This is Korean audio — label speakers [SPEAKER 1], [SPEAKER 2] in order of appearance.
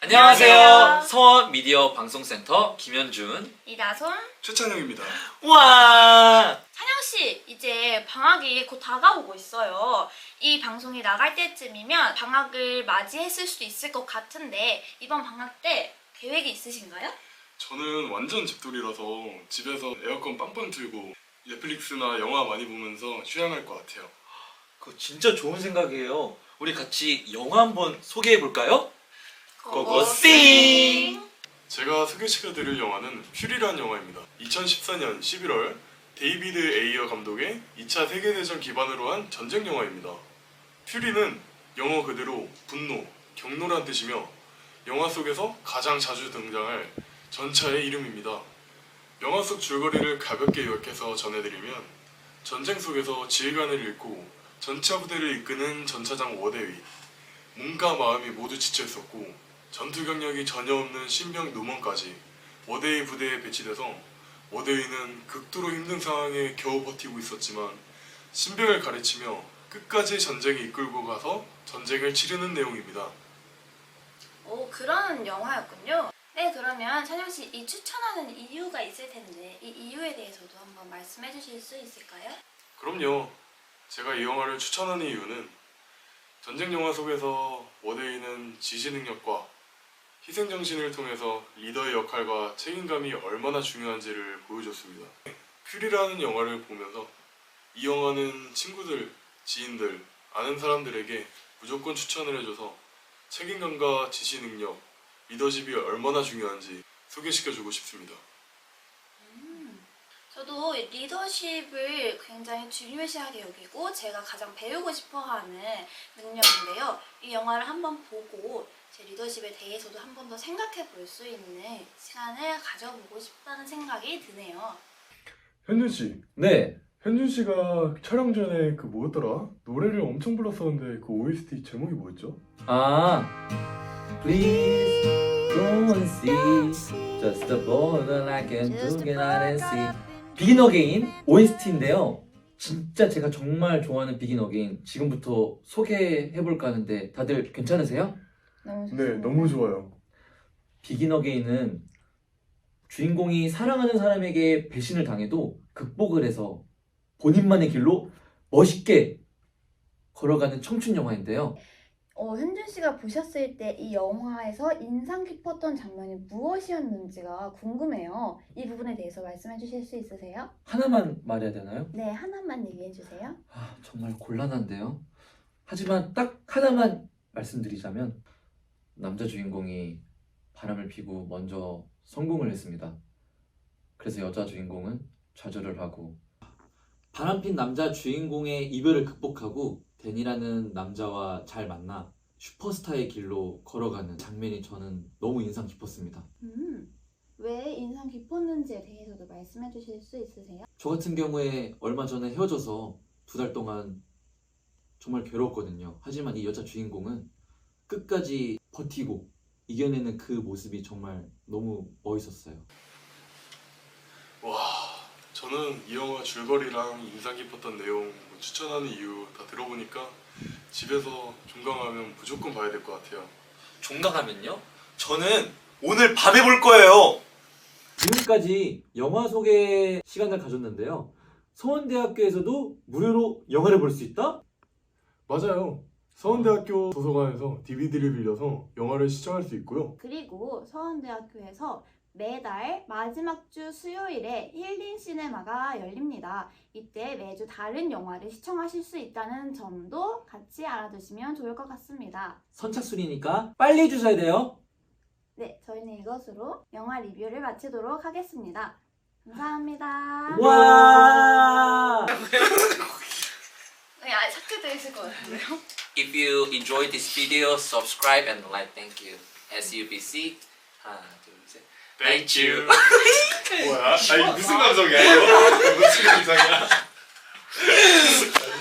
[SPEAKER 1] 안녕하세요. 서원 미디어 방송센터 김현준,
[SPEAKER 2] 이다솜,
[SPEAKER 3] 최찬영입니다.
[SPEAKER 1] 와.
[SPEAKER 2] 찬영씨, 이제 방학이 곧 다가오고 있어요. 이 방송이 나갈 때쯤이면 방학을 맞이했을 수도 있을 것 같은데 이번 방학 때 계획이 있으신가요?
[SPEAKER 3] 저는 완전 집돌이라서 집에서 에어컨 빵빵 틀고 넷플릭스나 영화 많이 보면서 휴양할 것 같아요.
[SPEAKER 1] 그거 진짜 좋은 생각이에요. 우리 같이 영화 한번 소개해 볼까요? 고고싱!
[SPEAKER 3] 제가 소개시켜드릴 영화는 퓨리라는 영화입니다. 2014년 11월 데이비드 에이어 감독의 2차 세계대전 기반으로 한 전쟁 영화입니다. 퓨리는 영어 그대로 분노, 경로란 뜻이며 영화 속에서 가장 자주 등장할 전차의 이름입니다. 영화 속 줄거리를 가볍게 요약해서 전해드리면 전쟁 속에서 지휘관을 잃고 전차 부대를 이끄는 전차장 워대위, 몸과 마음이 모두 지쳐있었고 전투 경력이 전혀 없는 신병 노먼까지 워대위 부대에 배치돼서 워대위는 극도로 힘든 상황에 겨우 버티고 있었지만 신병을 가르치며 끝까지 전쟁에 이끌고 가서 전쟁을 치르는 내용입니다.
[SPEAKER 2] 오, 그런 영화였군요. 네, 그러면 찬영씨, 이 추천하는 이유가 있을 텐데 이 이유에 대해서도 한번 말씀해 주실 수 있을까요?
[SPEAKER 3] 그럼요. 제가 이 영화를 추천하는 이유는 전쟁 영화 속에서 워데이는 지시 능력과 희생정신을 통해서 리더의 역할과 책임감이 얼마나 중요한지를 보여줬습니다. 퓨리라는 영화를 보면서 이 영화는 친구들, 지인들, 아는 사람들에게 무조건 추천을 해줘서 책임감과 지시 능력, 리더십이 얼마나 중요한지 소개시켜주고 싶습니다.
[SPEAKER 2] 저도 리더십을 굉장히 중요시하게 여기고 제가 가장 배우고 싶어하는 능력인데요. 이 영화를 한번 보고 제 리더십에 대해서도 한 번 더 생각해 볼 수 있는 시간을 가져보고 싶다는 생각이 드네요.
[SPEAKER 3] 현준 씨,
[SPEAKER 1] 네.
[SPEAKER 3] 현준 씨가 촬영 전에 그 뭐였더라? 노래를 엄청 불렀었는데 그 OST 제목이 뭐였죠?
[SPEAKER 1] Please go and see just the border I can do it and see. Begin Again OST인데요. 진짜 제가 정말 좋아하는 Begin Again 지금부터 소개해볼까 하는데 다들 괜찮으세요?
[SPEAKER 2] 너무
[SPEAKER 3] 네, 너무 좋아요.
[SPEAKER 1] Begin Again은 주인공이 사랑하는 사람에게 배신을 당해도 극복을 해서 본인만의 길로 멋있게 걸어가는 청춘 영화인데요.
[SPEAKER 2] 현준 씨가 보셨을 때 이 영화에서 인상 깊었던 장면이 무엇이었는지가 궁금해요. 이 부분에 대해서 말씀해 주실 수 있으세요?
[SPEAKER 1] 하나만 말해야 되나요?
[SPEAKER 2] 네, 하나만 얘기해 주세요.
[SPEAKER 1] 정말 곤란한데요. 하지만 딱 하나만 말씀드리자면 남자 주인공이 바람을 피고 먼저 성공을 했습니다. 그래서 여자 주인공은 좌절을 하고 바람핀 남자 주인공의 이별을 극복하고 데니라는 남자와 잘 만나 슈퍼스타의 길로 걸어가는 장면이 저는 너무 인상 깊었습니다.
[SPEAKER 2] 왜 인상 깊었는지에 대해서도 말씀해 주실 수 있으세요?
[SPEAKER 1] 저 같은 경우에 얼마 전에 헤어져서 2달 동안 정말 괴로웠거든요. 하지만 이 여자 주인공은 끝까지 버티고 이겨내는 그 모습이 정말 너무 멋있었어요.
[SPEAKER 3] 와, 저는 이 영화 줄거리랑 인상 깊었던 내용, 추천하는 이유 다 들어보니까 집에서 종강하면 무조건 봐야 될 것 같아요.
[SPEAKER 1] 종강하면요? 저는 오늘 밤에 볼 거예요. 지금까지 영화 소개 시간을 가졌는데요. 서원대학교에서도 무료로 영화를 볼 수 있다?
[SPEAKER 3] 맞아요. 서원대학교 도서관에서 DVD를 빌려서 영화를 시청할 수 있고요.
[SPEAKER 2] 그리고 서원대학교에서 매달 마지막 주 수요일에 힐링 시네마가 열립니다. 이때 매주 다른 영화를 시청하실 수 있다는 점도 같이 알아두시면 좋을 것 같습니다.
[SPEAKER 1] 선착순이니까 빨리 해주셔야 돼요.
[SPEAKER 2] 네, 저희는 이것으로 영화 리뷰를 마치도록 하겠습니다. 감사합니다.
[SPEAKER 1] 와!
[SPEAKER 2] 네, 삭제되어 있을 것 같은데요?
[SPEAKER 4] If you enjoyed this video, subscribe and like. Thank you. SUBC. 하나, 둘, 셋. Thank you.
[SPEAKER 3] 뭐야? 아니 무슨 감성이야 이거? 무슨 감성이야?